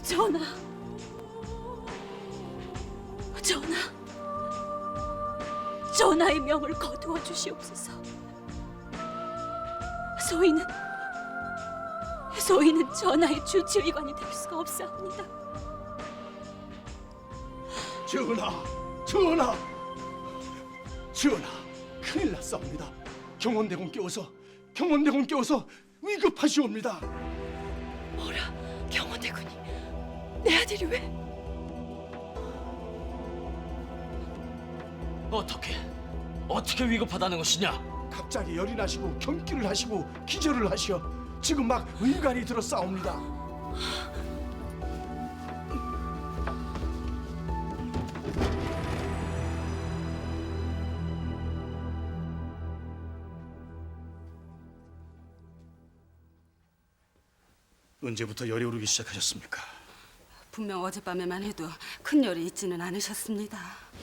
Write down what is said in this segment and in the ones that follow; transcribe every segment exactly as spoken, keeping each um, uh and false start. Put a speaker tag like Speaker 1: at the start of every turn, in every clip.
Speaker 1: 전하, 전하, 전하의 명을 거두어 주시옵소서. 소인은 소인은 전하의 주치의관이 될 수가 없사옵니다.
Speaker 2: 전하, 전하, 전하, 큰일 났사옵니다. 경원대군께서 경원대군께서 위급하시옵니다.
Speaker 1: 뭐라, 경원대군이 내 아들이 왜?
Speaker 3: 어떻게, 어떻게 위급하다는 것이냐?
Speaker 2: 갑자기 열이 나시고 경기를 하시고 기절을 하시어 지금 막 의관이 들어싸웁니다. 언제부터 열이 오르기 시작하셨습니까?
Speaker 4: 분명 어젯밤에만 해도 큰 열이 있지는 않으셨습니다.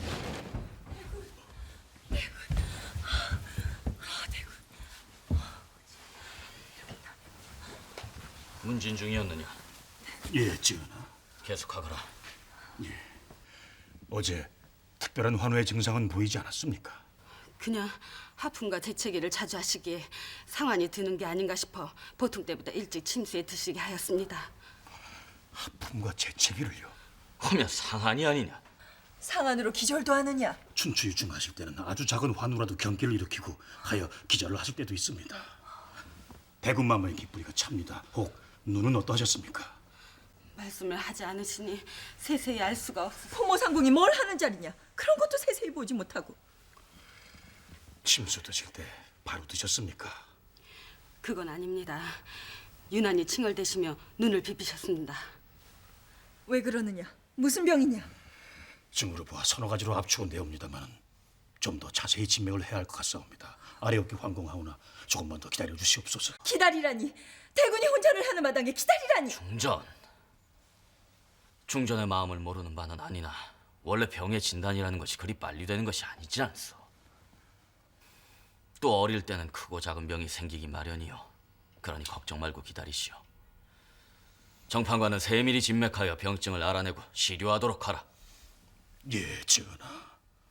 Speaker 3: 문진 중이었느냐?
Speaker 2: 예, 전하.
Speaker 3: 계속하거라.
Speaker 2: 어제 특별한 환호의 증상은 보이지 않았습니까?
Speaker 4: 그냥 하품과 재채기를 자주 하시기에 상환이 드는 게 아닌가 싶어 보통 때보다 일찍 침수에 드시게 하였습니다.
Speaker 2: 하품과 재채기를요?
Speaker 3: 하면 상한이 아니냐?
Speaker 5: 상한으로 기절도 하느냐?
Speaker 2: 춘추유증하실 때는 아주 작은 환우라도 경기를 일으키고 하여 기절을 하실 때도 있습니다. 대군마마의 깃뿌리가 찹니다. 혹 눈은 어떠하셨습니까?
Speaker 4: 말씀을 하지 않으시니 세세히 알 수가 없어.
Speaker 5: 포모상궁이 뭘 하는 자리냐? 그런 것도 세세히 보지 못하고.
Speaker 2: 침수 드실 때 바로 드셨습니까?
Speaker 4: 그건 아닙니다. 유난히 칭얼대시며 눈을 비비셨습니다.
Speaker 5: 왜 그러느냐? 무슨 병이냐?
Speaker 2: 증으로 보아 서너 가지로 압축은되옵니다만 좀 더 자세히 진맥을 해야 할 것 같사옵니다. 아래 어깨 환공하오나 조금만 더 기다려 주시옵소서.
Speaker 5: 기다리라니. 대군이 혼전을 하는 마당에 기다리라니.
Speaker 3: 중전. 중전의 마음을 모르는 바는 아니나 원래 병의 진단이라는 것이 그리 빨리 되는 것이 아니지 않소. 또 어릴 때는 크고 작은 병이 생기기 마련이요. 그러니 걱정 말고 기다리시오. 정판관은 세밀히 진맥하여 병증을 알아내고 시료하도록 하라.
Speaker 2: 예, 전하.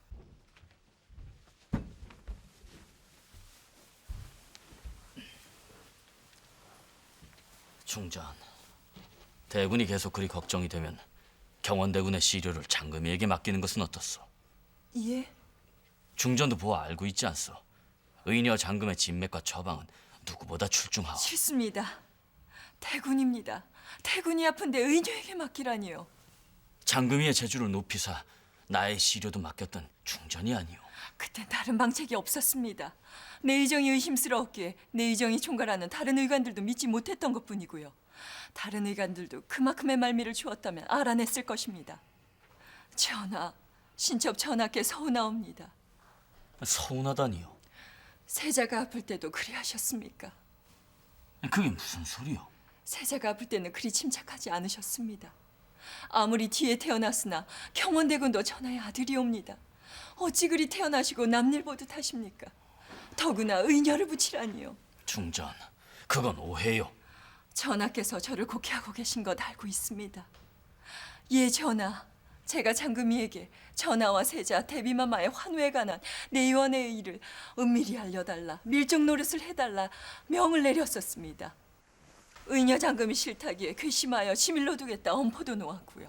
Speaker 3: 중전, 대군이 계속 그리 걱정이 되면 경원대군의 시료를 장금이에게 맡기는 것은 어떻소?
Speaker 5: 예?
Speaker 3: 중전도 보아 알고 있지 않소? 의녀 장금의 진맥과 처방은 누구보다 출중하오.
Speaker 5: 싫습니다. 대군입니다. 대군이 아픈데 의녀에게 맡기라니요.
Speaker 3: 장금이의 재주를 높이사 나의 시료도 맡겼던 중전이 아니오.
Speaker 5: 그땐 다른 방책이 없었습니다. 내 의정이 의심스러웠기에 내 의정이 총괄하는 다른 의관들도 믿지 못했던 것뿐이고요. 다른 의관들도 그만큼의 말미를 주었다면 알아냈을 것입니다. 전하, 신첩 전하께 서운하옵니다.
Speaker 3: 서운하다니요?
Speaker 5: 세자가 아플 때도 그리 하셨습니까?
Speaker 3: 그게 무슨 소리요?
Speaker 5: 세자가 아플 때는 그리 침착하지 않으셨습니다. 아무리 뒤에 태어났으나 경원대군도 전하의 아들이옵니다. 어찌 그리 태어나시고 남일 보듯 하십니까? 더구나 의녀를 붙이라니요.
Speaker 3: 중전, 그건 오해요.
Speaker 5: 전하께서 저를 곡해하고 계신 것 알고 있습니다. 예, 전하. 제가 장금이에게 전하와 세자, 대비마마의 환우에 관한 내의원의 일을 은밀히 알려달라, 밀정 노릇을 해달라 명을 내렸었습니다. 의녀 장금이 싫다기에 괘씸하여 시밀로 두겠다 엄포도 놓았고요.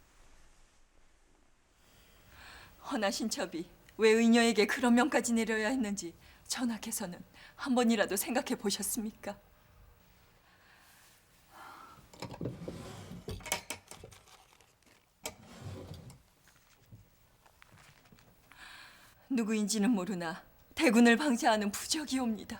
Speaker 5: 허나 신첩이 왜 의녀에게 그런 명까지 내려야 했는지 전하께서는 한 번이라도 생각해 보셨습니까? 누구인지는 모르나 대군을 방치하는 부적이옵니다.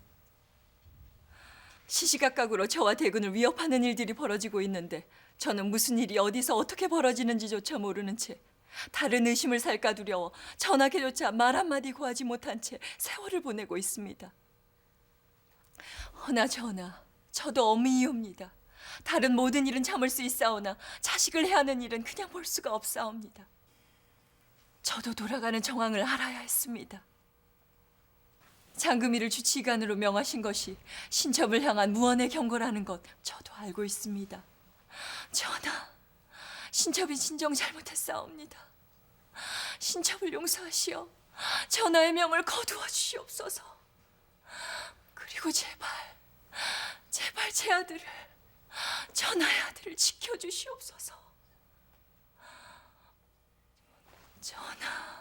Speaker 5: 시시각각으로 저와 대군을 위협하는 일들이 벌어지고 있는데 저는 무슨 일이 어디서 어떻게 벌어지는지조차 모르는 채 다른 의심을 살까 두려워 전하께조차 말 한마디 고하지 못한 채 세월을 보내고 있습니다. 허나 전하, 저도 어미이옵니다. 다른 모든 일은 참을 수 있사오나 자식을 해하는 일은 그냥 볼 수가 없사옵니다. 저도 돌아가는 정황을 알아야 했습니다. 장금이를 주치의관으로 명하신 것이 신첩을 향한 무언의 경고라는 것 저도 알고 있습니다. 전하, 신첩이 진정 잘못했사옵니다. 신첩을 용서하시어 전하의 명을 거두어 주시옵소서. 그리고 제발, 제발 제 아들을, 전하의 아들을 지켜주시옵소서. 전하.